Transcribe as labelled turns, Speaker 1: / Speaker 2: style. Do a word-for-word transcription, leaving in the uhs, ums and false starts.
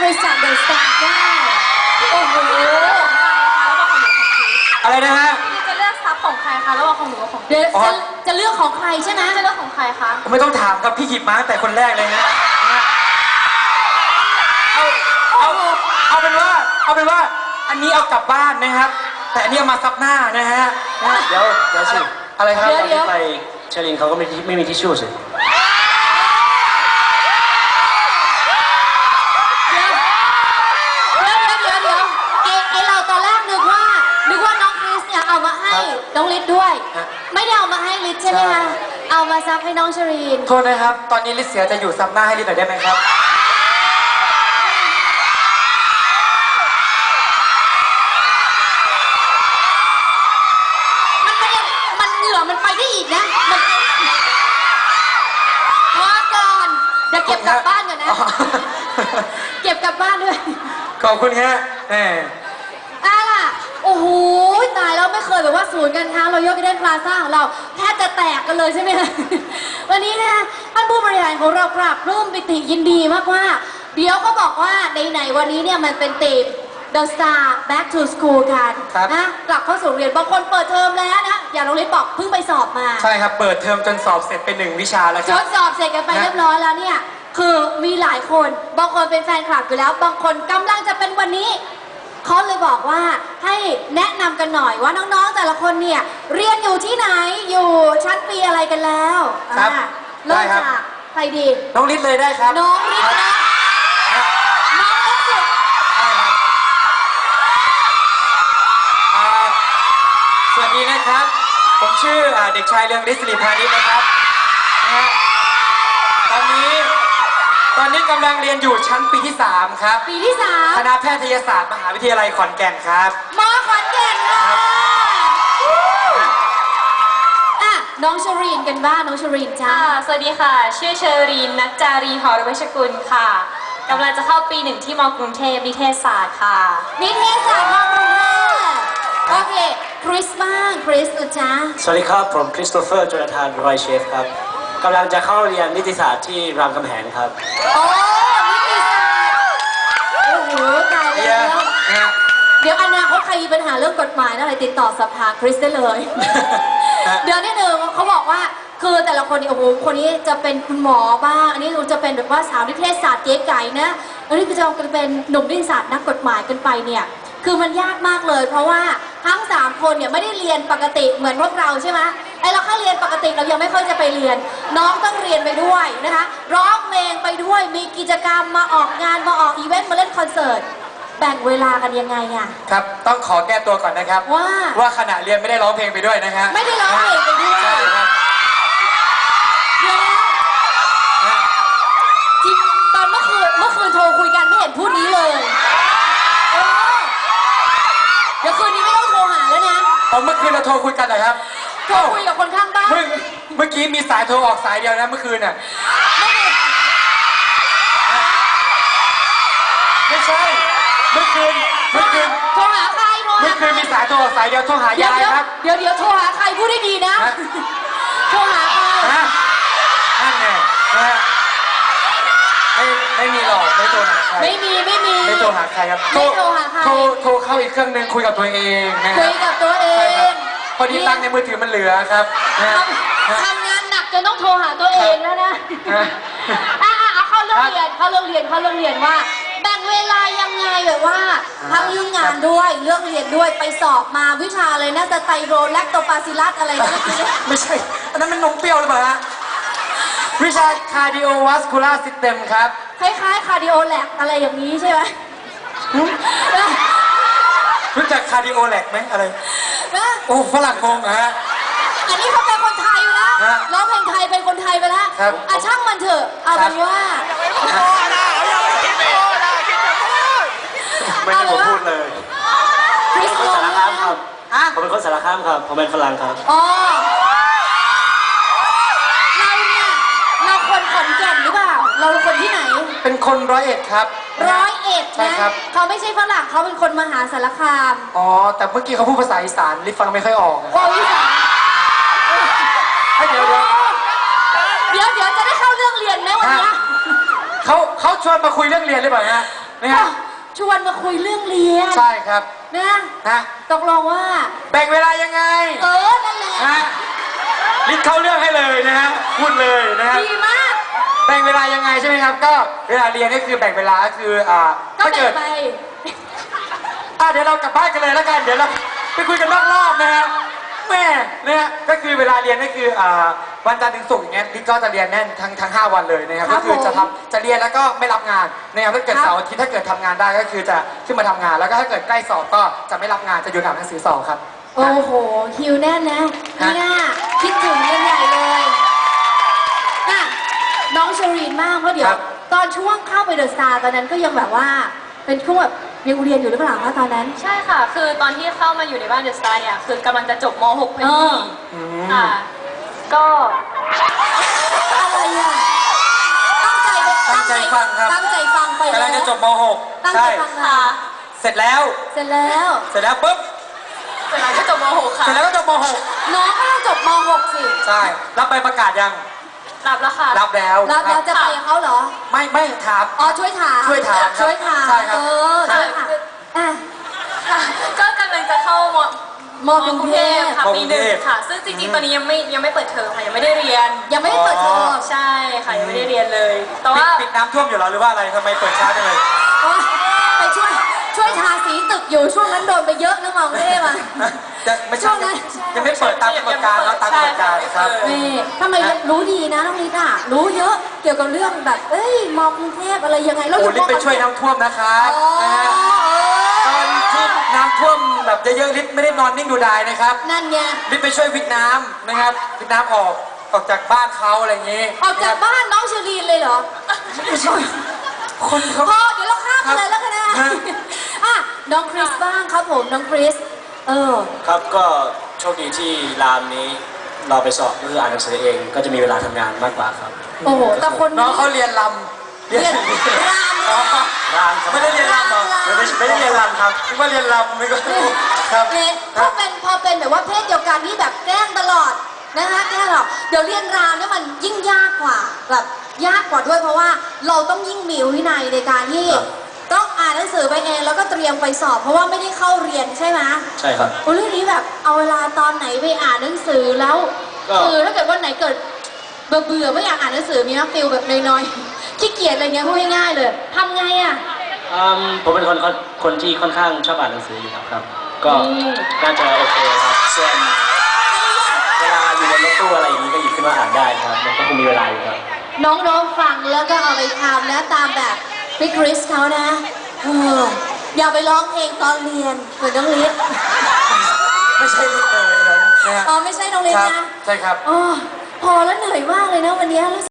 Speaker 1: ริสจากเดอะสตาร์ได้โอ้โห
Speaker 2: อะไรนะฮะ
Speaker 3: พี่จะเลือกซับของใครคะระหว่างของหนูกับของ
Speaker 1: เดี๋ยวจะจะเลือกของใครใช่ไหม
Speaker 3: จะเลือกของใครคะ
Speaker 2: ไม่ต้องถามครับพี่หยิบมาตั้งแต่คนแรกเลยฮะเอาเอาเอาเป็นว่าเอาเป็นว่าอันนี้เอากลับบ้านนะครับ แต่อันนี้เอามาซับหน้านะฮะ
Speaker 4: เดี๋ยวเดี๋ยวสิ
Speaker 2: อะไรครับ
Speaker 4: ตอนที่ไปเชลินเขาก็ไม่ไม่มีทิชชู่สิ
Speaker 1: เดี๋ยวเดี๋ยวเดี๋ยวเดี๋ยวไอไอเราตอนแรกนึกว่านึกว่าน้องคริสเนี่ยเอามาให้น้องลิศด้วย ไม่ได้เอามาให้ลิศใช่ไหมคะเอามาซับให้น้องชรีน
Speaker 2: โทษนะครับตอนนี้ลิศเสียจะอยู่ซับหน้าให้ลิศหน่อยได้ไหมครับ
Speaker 1: มันเหงื่อมันไปได้อีกนะมันพอก่อนเดี๋ยวเก็บกลับบ้านก่อนนะเก็บกลับบ้านด้วย
Speaker 2: ขอบคุณฮะแหม
Speaker 1: อ่ะล่ะโอ้โหตายแล้วไม่เคยแบบว่าศูนย์การค้าเรายกเดนพลาซ่าของเราแทบจะแตกกันเลยใช่ไหมคะวันนี้นะท่านผู้บริหารของเราปรับร่วมปิติยินดีมากว่าเดี๋ยวก็บอกว่าไหนๆวันนี้เนี่ยมันเป็นธีม The Star Back to School กันนะกลับเข้าสู่เรียนบางคนเปิดเทอมแล้วนะอย่างน้องลิศบอกเพิ่งไปสอบมา
Speaker 2: ใช่ครับเปิดเทอมจนสอบเสร็จเป็นหนึ่งวิชาแล้วครับ
Speaker 1: จนสอบเสร็จกันไปเรียบร้อยแล้วเนี่ยคือมีหลายคนบางคนเป็นแฟนคลับอยู่แล้วบางคนกำลังจะเป็นวันนี้เขาเลยบอกว่าให้แนะนำกันหน่อยว่าน้องๆแต่ละคนเนี่ยเรียนอยู่ที่ไหนอยู่ชั้นปีอะไรกันแล้ว
Speaker 2: ครับ
Speaker 1: เริ่มจากใครดี
Speaker 2: น้องลิศเลยได้ครับ
Speaker 1: น้องลิศนะน้องลิศสุด
Speaker 2: สวัสดีนะครับผมชื่อเด็กชายเรืองฤทธิ์สิริพานิชนะครับนะฮะตอนนี้ตอนนี้กำลังเรียนอยู่ชั้นปีที่สามครับ
Speaker 1: ปีที่สาม
Speaker 2: คณะแพทยศาสตร์มหาวิทยาลัยขอนแก่นครับ
Speaker 1: มอขอนแก่นค่ะอ่ะน้องชรีนกันบ้างน้องชรีนจ้า
Speaker 3: สวัสดีค่ะชื่อเชอรีนนัจจารีหอรเวชกุลค่ะกำลังจะเข้าปีหนึ่งที่มกรุงเทพนิเทศศาสตร์ค่ะ
Speaker 1: นิเทศศาสตร์มกรุงเทพโอเคคริสบ้างคริสนะจ๊ะ
Speaker 4: สวัสดีครับผมคริสโตเฟอร์โจนาธานรอยเชฟครับกำลังจะเข้าเรียนนิติศาสตร์ที่รามคำแหงครับ
Speaker 1: โอ้นิติศาสตร์โอ้โหตายแล้วเดี๋ยวอนาคตใครมีปัญหาเรื่องกฎหมายอะไรติดต่อสภาคริสได้เลยเดี๋ยวนิดนึงเขาบอกว่าคือแต่ละคนนี่โอ้โหคนนี้จะเป็นคุณหมอบ้างอันนี้จะเป็นแบบว่าสาวนิเทศศาสตร์เจ๊ไก่นะอันนี้ก็จะเป็นหนุ่มนิติศาสตร์นักกฎหมายกันไปเนี่ยคือมันยากมากเลยเพราะว่าทั้งสามคนเนี่ยไม่ได้เรียนปกติเหมือนพวกเราใช่ไหมไอเราแค่เรียนปกติเรายังไม่ค่อยจะไปเรียนน้องต้องเรียนไปด้วยนะคะร้องเพลงไปด้วยมีกิจกรรมมาออกงานมาออกอีเวนต์มาเล่นคอนเสิร์ตแบ่งเวลากันยังไงอะ
Speaker 2: ครับต้องขอแก้ตัวก่อนนะครับ
Speaker 1: ว่า
Speaker 2: ว่าขณะเรียนไม่ได้ร้องเพลงไปด้วยนะฮะ
Speaker 1: ไม่ได้ร้องเพลงไปด้วย
Speaker 2: ใช่ครับ
Speaker 1: เดี๋ยวจริงตอนเมื่อคืนเมื่อคืนโทรคุยกันไม่เห็นพูดนี้เลยเดี๋ยวคืนนี้ไม่ต้องโทรหาแล้วนะ
Speaker 2: ตอนเมื่อคืนเราโทรคุยกันเหรอครับ
Speaker 1: โทรคุยกับคนข้างบ้าน
Speaker 2: เมื่อเมื่อกี้มีสายโทรออกสายเดียวนะเมื่อคืนน่ะไม่ใช่เมื่อคืนเมื่อคืน
Speaker 1: โทรหาใครโทรหา
Speaker 2: เมื่อคืนมีสายโทรออกสายเดียวโทรหายายครับ
Speaker 1: เดี๋ยวเดี๋ยวโทรหาใครพูดได้ดีนะโทรหาใคร
Speaker 2: นั่นไงนะไม่ไม่มีหรอกไม่โทรหาใคร
Speaker 1: ไม่มีไม่มี
Speaker 2: ไม่โทรหาใครครับ
Speaker 1: ไม่โทรหาใคร
Speaker 2: โทรโทรเข้าอีกเครื่องนึงคุยกับตัวเองนะ
Speaker 1: คุยกับตัวเอง
Speaker 2: พอดีตังค์ในมือถือมันเหลือครับ
Speaker 1: ทำงานหนักจนต้องโทรหาตัวเองแล้วนะอ่ะเอาเข้าเรื่องเรียนเข้าเรื่องเรียนเข้าเรื่องเรียนว่าแบ่งเวลายังไงแบบว่าทั้งเรื่องงานด้วยเรื่องเรียนด้วยไปสอบมาวิชาอะไรนะสไตโรแลคโตปาซิลัสอะไรนะ
Speaker 2: ไม่ใช่อันนั้นมันนมเปรี้ยวหรือเปล่าฮะวิชา cardiovascular system ครับ
Speaker 1: คล้ายๆ cardio lab อะไรอย่างนี้ใช่ไหม
Speaker 2: รู้จัก cardio lab ไหมอะไรโอ้ฝรั่งงงฮะ
Speaker 1: อันนี้เขาเป็นคนไทยอยู่แล้วร้องเพลงไทยเป็นคนไทยไปแล้วอ่ะช่างมันเถอะเอาเป็นว่า
Speaker 4: ไม่ได้ผมพูดเลยผมเป็นคนสารคามครับผมเป็นคนสารคามครับผมเป็นฝรั่งครับ
Speaker 1: อ๋อเราเนี่ยเราคนขอนแก่นหรือเปล่าเราคนที่ไหน
Speaker 2: เป็นคนร้อยเอ็ดครับ
Speaker 1: ร้อยเอ็ดนะเขาไม่ใช่ฝรั่งเขาเป็นคนมหาสารคาม
Speaker 2: อ๋อแต่เมื่อกี้เขาพูดภาษาอีสานลิฟฟังไม่ค่อยออก
Speaker 1: โอ้อีสาน
Speaker 2: เดี๋ยว
Speaker 1: เดี๋ยวเดี๋ยวจะได้เข้าเรื่องเรียนไหมวันนี้
Speaker 2: เขาเขาชวนมาคุยเรื่องเรียนหรือเปล่าฮะนะฮะ
Speaker 1: ชวนมาคุยเรื่องเรียน
Speaker 2: ใช่ครับ
Speaker 1: นะ
Speaker 2: นะ
Speaker 1: ตกลงว่า
Speaker 2: แบ่งเวลายังไง
Speaker 1: เออ นั่นแหละ
Speaker 2: นะลิศเข้าเรื่องให้เลยนะฮะพูดเลยนะฮะ
Speaker 1: ดีมาก
Speaker 2: แบ่งเวลายังไงใช่ไหมครับ ก็เวลาเรียนก็คือแบ่งเวลาก็คืออ่า
Speaker 1: ก็
Speaker 2: ถ้า
Speaker 1: แบ่
Speaker 2: เกิ
Speaker 1: ง
Speaker 2: ด
Speaker 1: ไป
Speaker 2: อ่ะเดี๋ยวเรากลับบ้านกันเลยแล้วกัน เดี๋ยวเราไปคุยกันนอกรอบนะฮะแม่นะฮะก็คือเวลาเรียนก็คืออ่าวันจันทร์ถึงศุกร์อย่างเงี้ยลิศก็จะเรียนแน่นทั้งทั้งห้าวันเลยนะครับ
Speaker 1: ครั
Speaker 2: ก็
Speaker 1: บ
Speaker 2: คือจะ
Speaker 1: ผม
Speaker 2: ทำจะเรียนแล้วก็ไม่รับงานนะครับถ้าเกิด
Speaker 1: ครับ
Speaker 2: เสาร์อาทิตย์ถ้าเกิดทำงานได้ก็คือจะขึ้นมาทำงาน แล้วก็ถ้าเกิดใกล้สอบก็จะไม่รับงานจะหยุดอ่านหนังสือสอบครับ
Speaker 1: โอ้โห คิวแน่นนะ
Speaker 2: ฮะ
Speaker 1: เนี่ยคิดถึงกันใหญ่เลยน่ะน้องเชอรีนมากเพราะเดี๋ยว ตอนช่วงเข้าไปเดอะสตาร์ตอนนั้นก็ยังแบบว่า เป็นช่วงแบบยังเรียนอยู่หรือเปล่าคะตอนนั้น
Speaker 3: ใช่ค่ะ คือตอนที่เข้ามาอยู่ในบ้านเดอะสตาร์เนี่ย คือกำลังจะจบม .หก พอ
Speaker 1: เอ
Speaker 3: ดี
Speaker 1: อ
Speaker 2: อืม
Speaker 3: ค่ะ ก็
Speaker 1: อะไรอ่ะ ตั้งใจไป
Speaker 2: ตั้งใจฟังครับ
Speaker 1: ตั้งใจฟังไป
Speaker 2: กำลังจะจบม .หก
Speaker 1: ตั้งใจ
Speaker 2: ใช่
Speaker 1: ฟัง
Speaker 3: ค่ะ
Speaker 1: ค่ะ
Speaker 2: เสร็จแล้ว
Speaker 1: เสร็จแล้ว
Speaker 2: เสร็จแล้วปุ๊บ
Speaker 3: เสร็จแล้วก็จบม .หก ค่ะ
Speaker 2: เสร็จแล้วก็จบม .หก
Speaker 1: น้องก็ต้องจบม .หก สิ
Speaker 2: ใช่รับใบประกาศยัง
Speaker 3: รับแล้วค่ะ
Speaker 2: รับแล้ว
Speaker 1: แล้ว
Speaker 2: ค
Speaker 1: เรา
Speaker 2: รับ
Speaker 1: จะไปกับเขาเหรอ
Speaker 2: ไม่ไม่ถาม
Speaker 1: อ๋อ ช่วยถาม
Speaker 2: ช่วยถามครับ
Speaker 1: ช่วยถาม
Speaker 2: ใช่ครับ
Speaker 1: เออ ช่วยถามอ่ะ
Speaker 3: ค่ะก็กำลังจะเข้าม
Speaker 1: มกรุงเทพ
Speaker 3: ค่ะ
Speaker 2: ม
Speaker 3: ปี
Speaker 2: กรุง
Speaker 3: หนึ่ง
Speaker 2: เทพ
Speaker 3: ค่ะ ซึ่งจริงๆ ตอนนี้ยังไม่ยังไม่เปิดเทอมค่ะ ยังไม่ได้เรียน
Speaker 1: ยังไม่ได้เปิดเทอม
Speaker 3: ใช่ค่ะ ยังไม่ได้เรียนเลย แต่
Speaker 2: ปิด
Speaker 3: ว่า
Speaker 2: ปิดน้ำท่วมอยู่แล้วหรือว่าอะไรทำไมเปิดช้าจังเลย
Speaker 1: โอ๊ยไปช่วยช่วยทาสีตึกอยู่ช่วงนั้นโดนไปเยอะนะมองเท่มา
Speaker 2: จะไม่
Speaker 1: ช่
Speaker 2: ใช่
Speaker 1: วงนั้น
Speaker 2: ยังไม่เปิดตามกำหนดการแล้วตามกำหนดการครับ
Speaker 1: นี่ทำไมรู้ดีนะน้องลิศอ่ะรู้เยอะเกี่ยวกับเรื่องแบบ เอ้ยมอกรุงเทพอะไรยังไงแล้ว
Speaker 2: โอ้ลิศไป
Speaker 1: ม
Speaker 2: ช่วยน้ำท่วมนะครับ
Speaker 1: อ๋อ
Speaker 2: นะฮะตอนที่น้ำท่วมแบบเยอะๆลิศไม่ได้นอนนิ่งดูดายนะครับ
Speaker 1: นั่นไง
Speaker 2: ลิศไปช่วยวิทน้ำนะครับวิทน้ำออกออกจากบ้านเขาอะไรอย่างงี้
Speaker 1: ออกจากบ้านน้องเชอรีนเลยเหรอ
Speaker 2: คนเขา
Speaker 1: พอเดี๋ยวเราข้ามไปเลยแล้วกันนะ
Speaker 2: ฮะ
Speaker 1: อ่ะน้องคริสบ้างครับผมน้องคริสเออ
Speaker 4: ครับก็โชคดีที่รามนี้เราไปสอบก็คืออ่านหนังสือเอง ก็จะมีเวลาทำงานมากกว่าครับ
Speaker 1: โอ้โหแต่คน
Speaker 2: น้องเขาเรียนลำ
Speaker 1: เรียนราม
Speaker 2: อ๋อ
Speaker 4: รามครับ
Speaker 2: ไม่ได้เรียนลำเหรอ
Speaker 4: ไม่ไม่ไม่ได้เรียนรามครับ
Speaker 2: นึกว่าเรียนลำไม่ก็ครับ
Speaker 1: เนี่ยพอเป็นพอเป็นแบบว่าเพศเดียวกันที่แบบแกล้งตลอดนะคะแกล้งหรอกเดี๋ยวเรียนรามเนี่ยมันยิ่งยากกว่าแบบยากกว่าด้วยเพราะว่าเราต้องยิ่งมีวินัยในการที่
Speaker 4: ครับ
Speaker 1: ต้องอ่านหนังสือไปเองแล้วก็เตรียมไปสอบ เพราะว่าไม่ได้เข้าเรียนใช่ไหม
Speaker 4: ใช่ครับ
Speaker 1: โอ้เรื่องนี้แบบเอาเวลาตอนไหนไปอ่านหนังสือแล้ว
Speaker 4: ก็
Speaker 1: คือถ้าเกิดวันไหนเกิดเบื่อเบื่อๆไม่อยากอ่านหนังสือมีน้ำฟิลแบบน้อยๆขี้เกียจอะไรเงี้ยพูดง่ายๆเลยทำไงอ่ะ
Speaker 4: อืมผมเป็นคนคนคนที่ค่อนข้างชอบอ่านหนังสืออยู่แล้วครับ ก็
Speaker 1: อืม
Speaker 4: น่าจะโอเคครับส่วนเวลาอยู่ในรถตู้อะไรอย่างนี้ก็หยิบขึ้นมาอ่านได้ครับ มันก็คงมีเวลาอยู่ครับ
Speaker 1: น้องๆฟังแล้วก็เอาไปทำนะตามแบบพี่คริสเขานะเอออย่าไปร้องเพลงตอนเรียนเหมือนน้องลิศ
Speaker 2: ไม่ใช่ลิศเลยนะฮะ
Speaker 1: อ๋อไม่ใช่น้องลิศ
Speaker 2: ครับ
Speaker 1: นะ
Speaker 2: ใช่ครับ
Speaker 1: อ๋อพอแล้วเหนื่อยมากเลยนะวันนี้รู้สึก